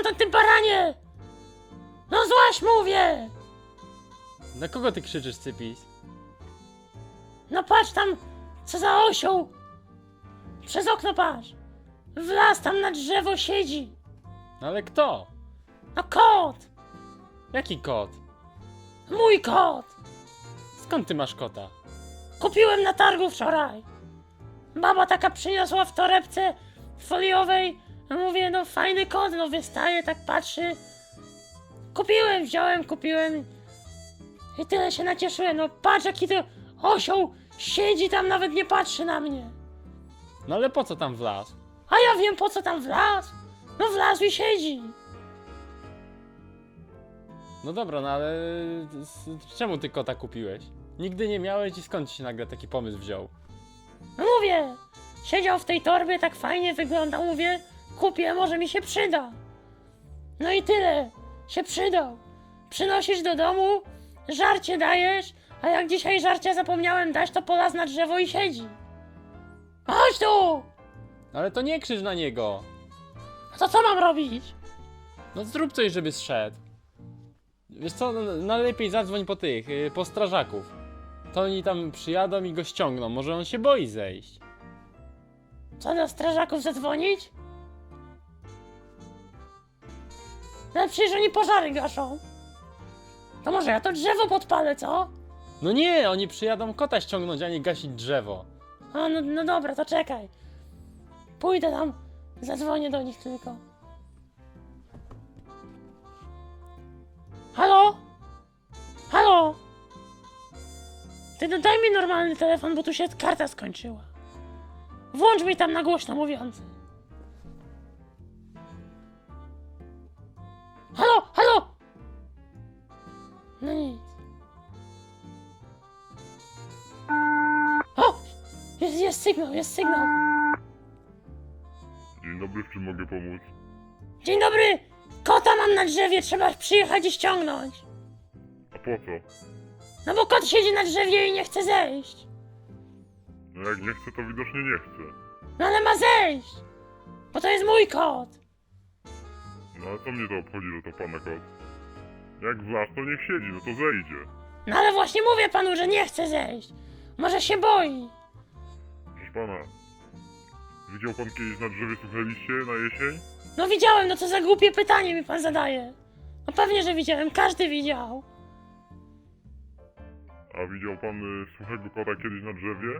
stamtąd, ty baranie! No złaź, mówię! Na kogo ty krzyczysz, Cypis? No patrz tam, co za osioł! Przez okno patrz! Wlazł tam na drzewo, siedzi! No ale kto? No kot! Jaki kot? Mój kot! Skąd ty masz kota? Kupiłem na targu wczoraj! Baba taka przyniosła w torebce foliowej. Mówię, no fajny kot, no wystaje, tak patrzy. Kupiłem. I tyle się nacieszyłem, no patrz jaki to osioł siedzi tam, nawet nie patrzy na mnie. No ale po co tam wlazł? A ja wiem po co tam wlazł. No wlazł i siedzi. No dobra, no ale czemu ty kota kupiłeś? Nigdy nie miałeś i skąd ci się nagle taki pomysł wziął? No mówię, siedział w tej torbie, tak fajnie wyglądał, mówię, kupię, może mi się przyda. No i tyle, się przydał. Przynosisz do domu, żarcie dajesz, a jak dzisiaj żarcia zapomniałem dać, to polazł na drzewo i siedzi. Chodź tu! Ale to nie krzycz na niego! A to co mam robić? No zrób coś, żeby zszedł. Wiesz co, no lepiej zadzwoń po tych, po strażaków. To oni tam przyjadą i go ściągną, może on się boi zejść. Co do strażaków zadzwonić? No przecież oni pożary gaszą. To może ja to drzewo podpalę, co? No nie, oni przyjadą kota ściągnąć, a nie gasić drzewo. A no dobra, to czekaj. Pójdę tam, zadzwonię do nich tylko. Halo? Halo? Ty no daj mi normalny telefon, bo tu się karta skończyła. Włącz mi tam na głośno mówiący. Halo, halo! No nic. O! Jest sygnał, jest sygnał. Dzień dobry, w czym mogę pomóc? Dzień dobry! Kota mam na drzewie, trzeba przyjechać i ściągnąć. A po co? No bo kot siedzi na drzewie i nie chce zejść. No jak nie chce, to widocznie nie chce. No ale ma zejść! Bo to jest mój kot. No a co mnie to obchodzi, że to pana kot? Jak wlazł, to niech siedzi, no to zejdzie. No ale właśnie mówię panu, że nie chce zejść. Może się boi. Proszę pana, widział pan kiedyś na drzewie suche liście na jesień? No widziałem, no co za głupie pytanie mi pan zadaje. No pewnie, że widziałem, każdy widział. A widział pan suchego kota kiedyś na drzewie?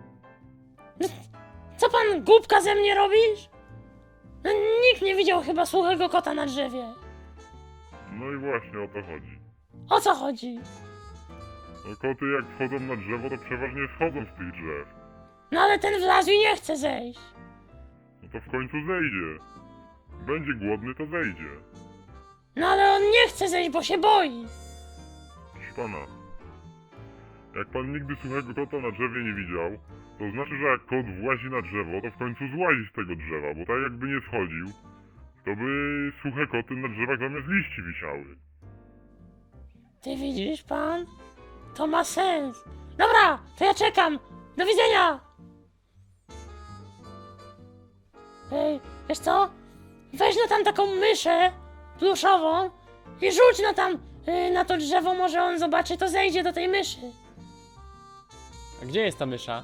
Co pan głupka ze mnie robisz? No nikt nie widział chyba suchego kota na drzewie. No i właśnie o to chodzi. O co chodzi? No koty jak wchodzą na drzewo, to przeważnie schodzą z tych drzew. No ale ten wlazł i nie chce zejść. No to w końcu zejdzie. Będzie głodny, to zejdzie. No ale on nie chce zejść, bo się boi. Proszę pana, jak pan nigdy suchego kota na drzewie nie widział, to znaczy, że jak kot włazi na drzewo, to w końcu złazi z tego drzewa, bo tak jakby nie schodził, to by suche koty na drzewach zamiast liści wisiały. Ty widzisz pan? To ma sens. Dobra, to ja czekam. Do widzenia. Ej, wiesz co? Weź no tam taką myszę pluszową i rzuć no tam na to drzewo, może on zobaczy, to zejdzie do tej myszy. A gdzie jest ta mysza?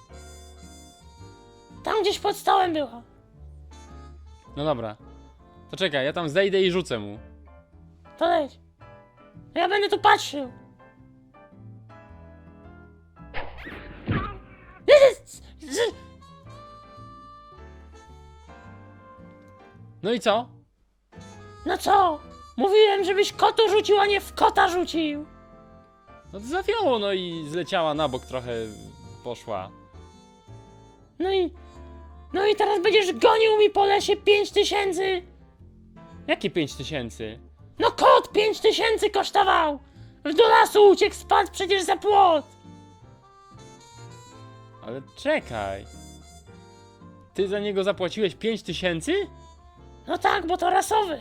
Tam gdzieś pod stołem była. No dobra. To czekaj, ja tam zejdę i rzucę mu. To leć. Ja będę tu patrzył. No i co? No co? Mówiłem, żebyś kotu rzucił, a nie w kota rzucił. No to zawiało, no i zleciała na bok trochę, poszła. No i teraz będziesz gonił mi po lesie 5000. Jakie 5000? No kot 5000 kosztował. Do lasu uciekł, spadł przecież za płot. Ale czekaj. Ty za niego zapłaciłeś 5000? No tak, bo to rasowy.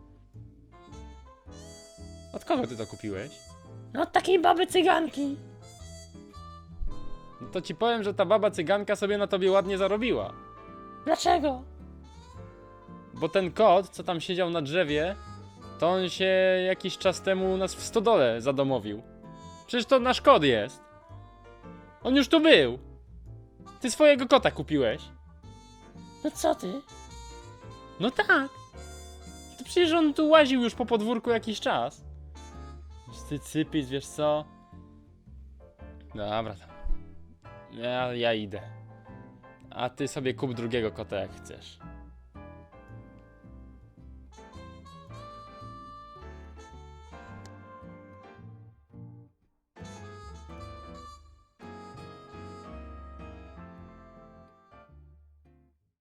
Od kogo ty to kupiłeś? No od takiej baby cyganki. No to ci powiem, że ta baba cyganka sobie na tobie ładnie zarobiła. Dlaczego? Bo ten kot, co tam siedział na drzewie, to on się jakiś czas temu u nas w stodole zadomowił. Przecież to nasz kot jest. On już tu był. Ty swojego kota kupiłeś. No co ty? No tak. To przecież on tu łaził już po podwórku jakiś czas. Ty cypis, wiesz co? Dobra tam. Ja idę. A ty sobie kup drugiego kota jak chcesz.